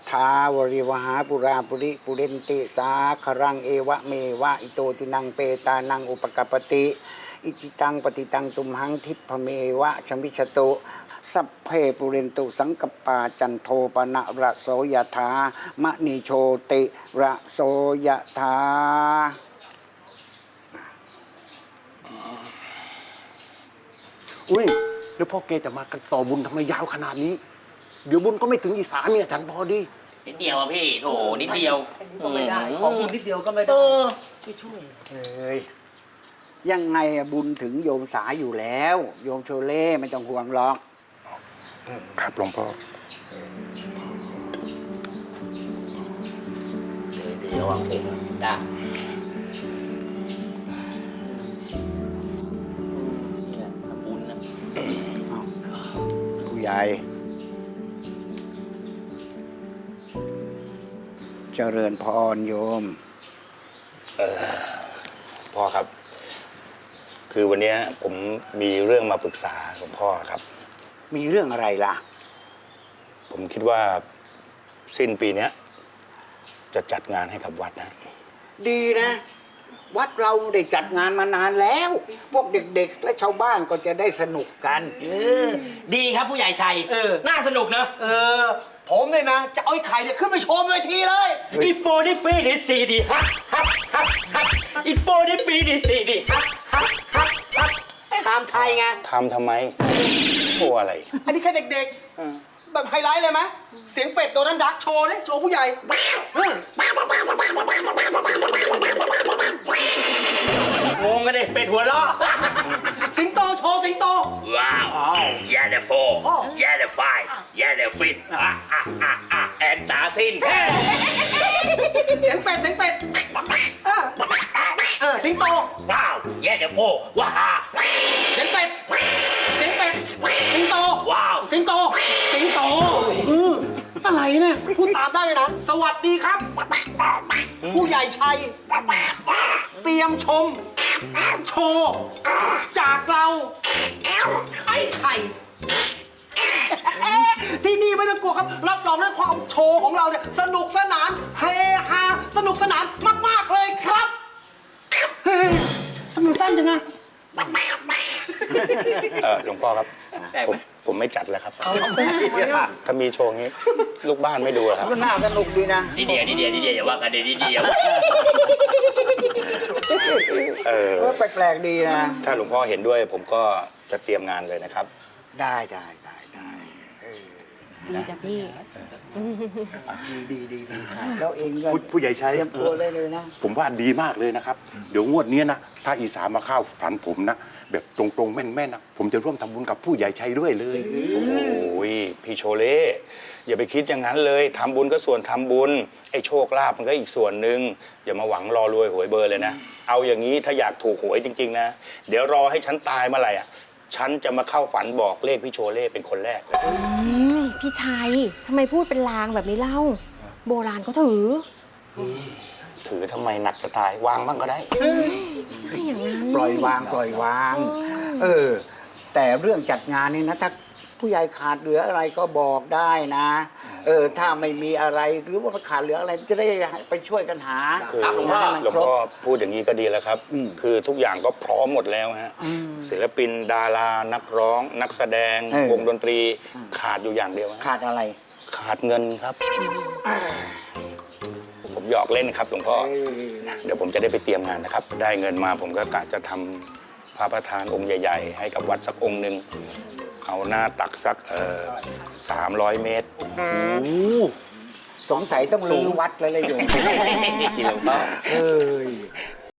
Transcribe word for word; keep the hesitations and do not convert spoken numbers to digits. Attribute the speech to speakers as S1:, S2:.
S1: ถาวริวหาปุราปุริปุเรนติสาครังเอวะเมวะอิโตตินังเปตานังอุปกปปติอิจิตังปฏิตังตุมหังทิพเมวะชมิชตุสัพเพปุเรนตุสังกปาจันโทปนะระโสยถามะนิโชติระโสยถา
S2: อุ้ยแล้วพ่อแกจะมากันต่อบุญทำไมยาวขนาดนี้เดี๋ยวบุญก็ไม่ถึงอีสานเนี่ยฉันพอดี
S3: นิดเดียวอะพี่โถนิดเดียว
S4: ก็ไม่ได้ขอบุญนิดเดียวก็ไม่ได้ช่วยช่วย
S1: เอ้ยยังไงอะบุญถึงโยมสาอยู่แล้ว โยมโชเล่ไม่ต้องห่วงหรอก
S2: ครับหลวงพ่อ
S3: เดี๋ยววางผมได้เนี่ยทำบุญนะ
S1: ผู้ใหญ่เจริญพรโยม
S5: พ่อครับ คือวันนี้ผมมีเรื่องมาปรึกษาหลวงพ่อครับ
S1: มีเรื่องอะไรล่ะ
S5: ผมคิดว่าสิ้นปีเนี้ยจะจัดงานให้กับวัดนะ
S1: ดีนะ วัดเราได้จัดงานมานานแล้ว พวกเด็กๆ และชาวบ้านก็จะได้สนุกกัน
S3: เออดีครับผู้ใหญ่ชัย
S4: เออ
S3: น่าสนุกเนอะ
S4: เออ ผมเนี่ยนะ จะเอาไอ้ไข่เนี่ยขึ้นไปโชว์บนเวทีเลย
S3: อีโฟนี่ฟีนี่ซีดีฮักฮักฮักฮักอีโฟนี่ฟีนี่ซีดีฮักฮักฮักฮักตามไทยไง
S5: ทำทำไมโชว์อะไร
S4: อันนี้แค่เด็กๆ แบบไฮไลท์เลยไหมเสียงเป็ดโดนัลด์ดักโชว์เลยโชว์ผู้ใหญ่เออง
S3: งกันดิเป็ดหัวล้อ
S4: สิงโตโชว์สิงโต
S3: ว้าวยาเดโฟ
S4: อ้อ
S3: ยาเดไฟยาเดฟิตอ่ะอ่ะอ่ะอ่ะแอนตาซิน
S4: เสียงเป็ดเสียงเป็ดเออเออสิงโต
S3: ว้าวยาเดโฟว้า
S4: เสียงเป็ดเสียงเป็ดสิงโต
S3: ว้าว
S4: สิงโต สิงโตเอออะไรเนี่ยพูดตามได้เลยนะ สวัสดีครับ ผู้ใหญ่ชัย เตรียมชม โชว์ จากเรา ไอ้ไข่ ที่นี่ไม่ต้องกลัวครับ รับรองเรื่องความโชว์ของเราเนี่ย สนุกสนาน เฮฮา สนุกสนานมาก ๆ เลยครับ เฮ้ยทำไมสั้นจังอะ
S5: เออหลวงพ่อครับ ผมผมไม่จัดแล้วครับ ถ้ามีโชว์งี้ ลูกบ้านไม่ดูหรอครับ
S1: ก็น่าสนุกดีนะ
S3: นี่เดียวนี่เดียวนี่เดียวอย่าว่ากันดีนี่เดียว
S5: เออ
S1: เออแปลกๆดีนะ
S5: ถ้าหลวงพ่อเห็นด้วยผมก็จะเตรียมงานเลยนะครับ
S1: ได้ได้ได้ได้เออ
S6: ดีจ้ะพี่
S1: ดีดีดีดีแล้วเองก็
S2: ผู้ผู้ใหญ่ชัย
S1: เตรียมตัวเลยเลยนะ
S2: ผมว่าดีมากเลยนะครับ เดี๋ยวงวดนี้นะถ้าอีสานมาเข้าฝันผมนะแบบตรงๆแม่นๆนะผมจะร่วมทำบุญกับผู้ใหญ่ชัยด้วยเลย
S5: โอ้ยพี่โชเล่อย่าไปคิดอย่างนั้นเลยทำบุญก็ส่วนทำบุญไอ้โชคลาภมันก็อีกส่วนหนึ่งอย่ามาหวังรอรวยหวยเบอร์เลยนะ เอาอย่างนี้ถ้าอยากถูกหวยจริงๆนะเดี๋ยวรอให้ฉันตายเมื่อไหร่อ่ะฉันจะมาเข้าฝันบอกเลขพี่โชเล่เป็นคนแรกเลย
S6: อืมพี่ชัยทำไมพูดเป็นลางแบบนี้เล่า โบราณเขาถือ
S5: ถือทำไมหนักจะตายวางบ้างก็ได้
S6: ไม่ใช่อย่างนั้น
S1: ปล่อยวางปล่อยวาง เออ แต่เรื่องจัดงานนี่นะถ้าผู้ใหญ่ขาดเหลืออะไรก็บอกได้นะ เออ ถ้าไม่มีอะไรหรือว่าขาดเหลืออะไรจะได้ไปช่วยกันหา
S5: คือ
S1: ให้มัน
S5: หลวง
S1: ครบ
S5: พ่อพูดอย่างนี้ก็ดีแล้วครับ
S1: อืม
S5: คือทุกอย่างก็พร้อมหมดแล้วฮะศิลปินดารานักร้อง นักแสดง
S1: เออ
S5: วงดนตรีขาดอยู่อย่างเดียวฮะ
S1: ขาดอะไร
S5: ขาดเงินครับ ผมหยอกเล่นครับหลวงพ่อ เดี๋ยวผมจะได้ไปเตรียมงานนะครับ ได้เงินมาผมก็กะจะทำพระประธานองค์ใหญ่ ๆ ให้กับวัดสักองค์หนึ่งเอาหน้าตักสักเอ่อสามร้อยเมตร
S1: สงสัยต้องรื้อวัดแล้วเลยโยม
S3: หลวงพ่อ
S1: เอ้ย